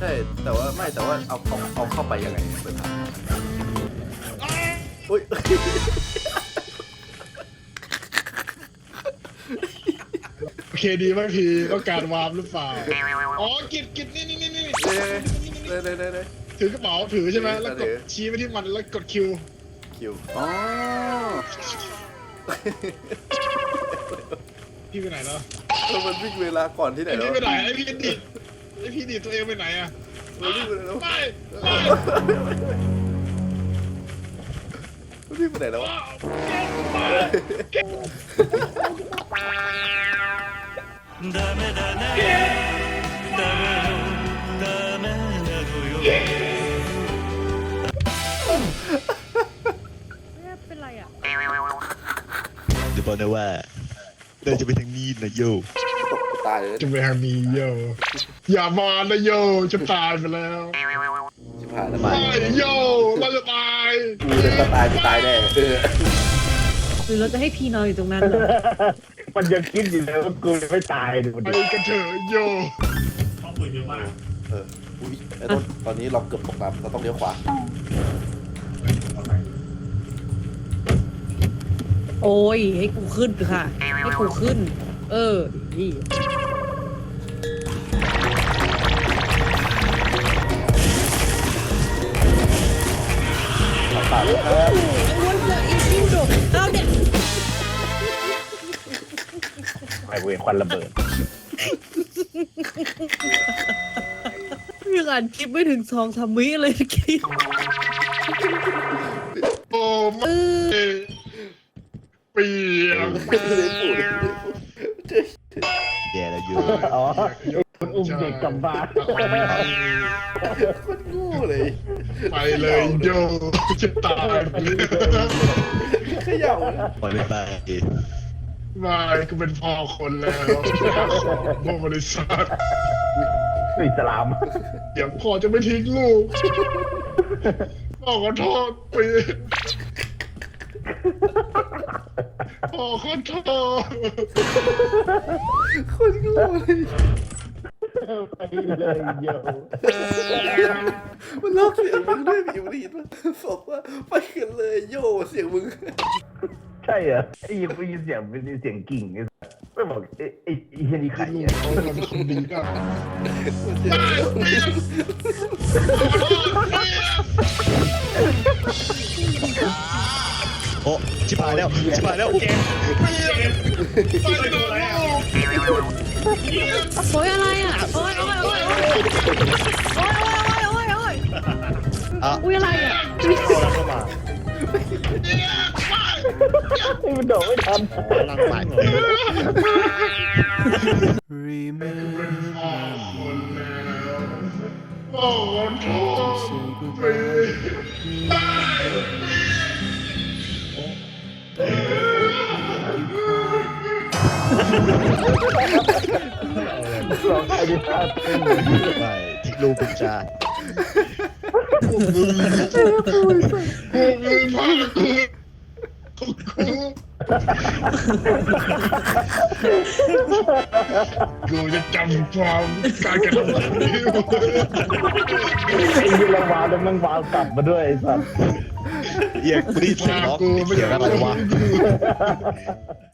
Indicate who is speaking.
Speaker 1: ช่แต่ว่าเอาเข้าไปยังไงเปิดทางอุ้ย
Speaker 2: โอเคดีไหมพี่ต้องการวาร์ปหรือเปล่าอ๋อกิดนี่
Speaker 1: เลย
Speaker 2: ถือกระเป๋าถือใช่ไหมแล้วก
Speaker 1: ถื
Speaker 2: ด
Speaker 1: อ
Speaker 2: ชี้ไปที่มันแล้วกดคิว
Speaker 1: คิวอ๋อ
Speaker 2: พี่ไปไหนแล้ว
Speaker 1: มันวิ่งเวลาก่อนที่ไหน
Speaker 2: ไอ
Speaker 1: แล้ว
Speaker 2: พี่ไปไหนไอพี่ดีดตัวเองไปไหนอะ
Speaker 1: มันวิ่งไปไหนแล้ว
Speaker 2: ไป
Speaker 1: มันวิ่งไปไหนแล้ว
Speaker 3: ダメだねダメよダメなのよ
Speaker 4: เป็นไรอ่ะ
Speaker 5: เดี๋ยวบอกนะว่าเราจะไปทางนี้นะโย
Speaker 1: ตายเลย
Speaker 2: จะไปทางนี้โยอย่ามานะโยจะตายไปแล้ว
Speaker 1: ชิบหายแล้ว
Speaker 2: ไปโยเราจะตาย
Speaker 1: กูจะตายแน่
Speaker 4: หรือเราจะให้พี่นอนอยู่ตรงนั้นเหรอ
Speaker 6: มันยังคิดอยู่เลยว่ากูไม่ตายดู
Speaker 2: ไป
Speaker 6: ดิ
Speaker 2: กันเถอะโย
Speaker 1: อุ้ยไอ้ต้นตอนนี้เราเกือบตกน้ำเราต้องเลี้ยวขวา
Speaker 4: โอ้ยให้กูขึ้นค่ะ ให้กูขึ้น เออดี
Speaker 1: ตายแล้วครับ
Speaker 4: วันเดอร์อินฟิวโดเอาเด็ก
Speaker 6: ไอเวรควันระเบิด
Speaker 4: ยังอ่านคลิปไม่ถึง2-3 วิเลยเมื่อกี้
Speaker 2: โอ้ไม่เปียก
Speaker 1: ไม่ได้พูด
Speaker 5: แย่แล้วโย
Speaker 6: อ๋อคุณอุ้มเด็กกลับบ้าน
Speaker 1: คนโง่เลย
Speaker 2: ไปเลยโยจะตายไปเลย
Speaker 1: ขย่า
Speaker 5: ปล่อยไม่ไป
Speaker 2: ไม่กูเป็นพ่อคนแล้วพ่อบริษัท
Speaker 6: อิสลาม
Speaker 2: เดี๋ยวพ่อจะไม่ทิ้งลูกพ่อขอโทษปีพ่อขอโทษ
Speaker 1: คนโง่เลย
Speaker 6: ไปเลยโย
Speaker 1: มันลอกเสียงมึงด้วยพี่มันได้ยินว่าบอกว่าไปกันเลยโย่เสียงมึง
Speaker 6: ใช่เหรอไอ้ยินเสียงเป็นเสียงกิ่งไม่บอกไอ้เฮียนี่ใคร
Speaker 2: ลูก
Speaker 6: เนี่ย
Speaker 2: เขาเราเป็นคนดีก็
Speaker 5: โอ้ชิบหายแล้วแก
Speaker 4: โอ้ยอะไรอ่ะโอ้ย
Speaker 5: อ่ะ
Speaker 4: อุ้ยอะไรอ่ะ
Speaker 6: ไอ้มันโดดไม่ทัน
Speaker 5: นั่งใหม่
Speaker 2: พ่อขอโทษปี
Speaker 6: ร้องไห้ดิท่าเต้น
Speaker 5: ไม่ทิ้งลูกเป็นจา
Speaker 2: พวกมึงพากูจะจำความการกระทำแบบนี้
Speaker 6: ไอ้ยีระวาวแล้วมันวาวกลับมาด้วยไอ้สัส
Speaker 5: เอียงกูได้ยินเสียงร้องเสียงอะไรวะ